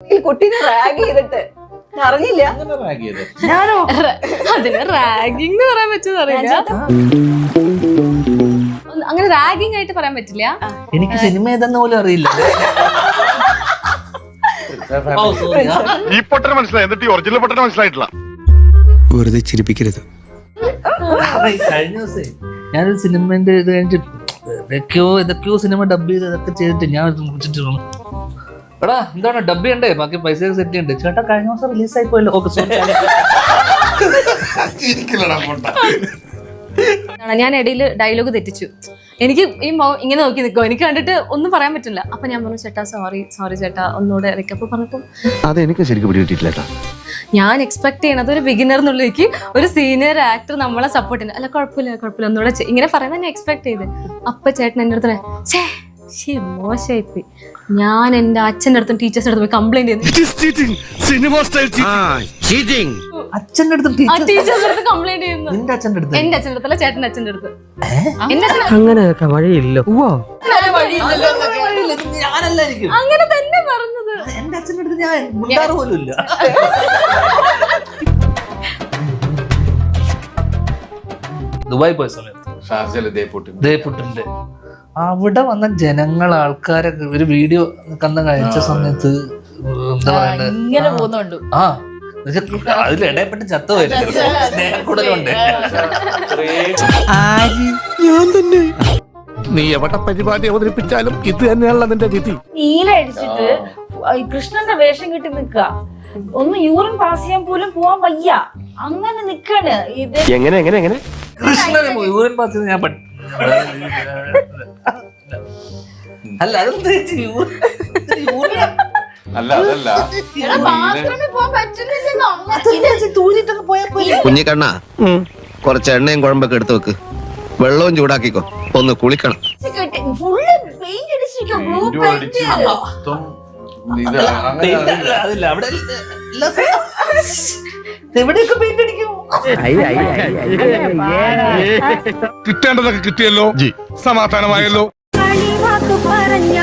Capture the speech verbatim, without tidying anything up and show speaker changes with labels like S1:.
S1: ഈ കുട്ടീനെ റാഗ് ചെയ്തിട്ട് അറിഞ്ഞില്ല.
S2: ഞാനോ അതിന് റാഗിങ് എന്ന് പറയാൻ പറ്റുമെന്ന് അറിയില്ല. അങ്ങനെ റാഗിങ് ആയിട്ട് പറയാൻ പറ്റില്ല.
S3: എനിക്ക് സിനിമ ഏതെന്ന് പോലും അറിയില്ല.
S4: ഈ പൊട്ടനെ മനസ്സിലായി, എന്നിട്ട് ഈ ഒറിജിനൽ പൊട്ടനെ മനസ്സിലായിട്ടില്ല.
S5: വെറുതെ ചിരിപ്പിക്കരുത്.
S3: കഴിഞ്ഞ ദിവസേ ഞാനൊരു സിനിമന്റെ ഇത് കഴിഞ്ഞിട്ട് ഏതൊക്കെയോ ഏതൊക്കെയോ സിനിമ ഡബ് ചെയ്ത് ഇതൊക്കെ ചെയ്തിട്ട് ഞാൻ വിളിച്ചിട്ട് എടാ എന്താണ് ഡബ് ചെയ്യണ്ടേ, ബാക്കി പൈസ സെറ്റ് ചെയ്യണ്ടേ. ചേട്ടാ കഴിഞ്ഞ ദിവസം റിലീസ് ആയി പോയല്ലോ. ഓക്കെ
S2: ഞാൻ ഇടയിൽ ഡയലോഗ് തെറ്റിച്ചു. എനിക്ക് ഈ ഇങ്ങനെ നോക്കി നിൽക്കും, എനിക്ക് കണ്ടിട്ട് ഒന്നും പറയാൻ പറ്റില്ല. അപ്പൊ ഞാൻ പറഞ്ഞു ചേട്ടാ സോറി സോറി ചേട്ടാ ഒന്നുകൂടെ ഇറക്കപ്പോ പറഞ്ഞപ്പോ
S4: അതെനിക്ക് ശരിക്കും പിടികിട്ടിട്ടില്ല.
S2: ഞാൻ എക്സ്പെക്ട് ചെയ്യണത് ഒരു ബിഗിനർ എന്നുള്ളേക്ക് ഒരു സീനിയർ ആക്ടർ നമ്മളെ സപ്പോർട്ട് ചെയ്യുന്നത്. അല്ല കുഴപ്പമില്ല കുഴപ്പമില്ല ഒന്നുകൂടെ ഇങ്ങനെ പറയുന്നത് ഞാൻ എക്സ്പെക്ട് ചെയ്ത്. അപ്പൊ ചേട്ടൻ എൻ്റെ അടുത്ത് ഛേ ശേ മോശമായിപ്പോയി. ഞാൻ എന്റെ അച്ഛൻ്റെ അടുത്തും ടീച്ചേഴ്സിന്റെ അടുത്തും പോയി കംപ്ലൈന്റ് ചെയ്തു.
S3: അച്ഛൻ്റെ അടുത്ത്
S2: ടീച്ചേഴ്സിന്റെ അടുത്ത് കംപ്ലൈന്റ് ചെയ്യുന്നു.
S3: എന്റെ അച്ഛൻ്റെ അടുത്ത്
S2: എന്റെ അച്ഛൻ്റെ അടുത്തല്ല ചേട്ടന്റെ അച്ഛൻ്റെ അടുത്ത്. എന്റെ
S5: അങ്ങനെയൊക്കെ വഴിയില്ല.
S3: ഞാനല്ലായിരിക്കും
S2: അങ്ങനെ തന്നെ പറഞ്ഞത്.
S3: എന്റെ അച്ഛൻ്റെ അടുത്ത് ഞാൻ മുണ്ടാറ് പോലും ഇല്ല. ദുബായ് പോയ സമയത്ത് ദേപുട്ടിന്റെ അവിടെ വന്ന ജനങ്ങൾ ആൾക്കാരെ ഒരു വീഡിയോ കന്ന കഴിച്ച സമയത്ത് എന്താ പറയണ്ടത്,
S2: ഇങ്ങനെ പോകുന്നുണ്ട്.
S3: ആ അതിലിടയപ്പെട്ട് ചത്ത വരുന്നുണ്ട്. സ്നേഹക്കൂടലുണ്ട്.
S5: ഞാൻ തന്നെ.
S4: നീ എവിടെ പരിപാടി അവതരിപ്പിച്ചാലും ഇത് തന്നെയാണല്ലോ നിന്റെ വിധി.
S6: നീല അടിച്ചിട്ട് കൃഷ്ണന്റെ വേഷം കിട്ടി നിക്ക, ഒന്ന് യൂറിൻ പാസ് ചെയ്യാൻ പോലും പോവാൻ വയ്യ, അങ്ങനെ നിക്കാണ്. ഇത്
S4: എങ്ങനെ എങ്ങനെ എങ്ങനെ
S3: കൃഷ്ണനെ യൂറിൻ പാസ് ചെയ്ത് ഞാൻ അല്ല അതെന്താ
S4: അല്ല അതല്ല
S7: കുഞ്ഞിക്കണ്ണ കുറച്ച് എണ്ണയും കുഴമ്പൊക്കെ എടുത്തു വെക്ക്, വെള്ളവും ചൂടാക്കിക്കോ, ഒന്ന് കുളിക്കണം.
S6: ഫുള്ള് പെയിന്റ് അടിച്ചിരിക്കും, ബ്ലൂ പെയിന്റ്.
S3: അതില്ല അവിടെ എവിടെയൊക്കെ പെയിന്റ് അടിക്കും.
S4: കിട്ടേണ്ടതൊക്കെ കിട്ടിയല്ലോ, സമാധാനമായല്ലോ.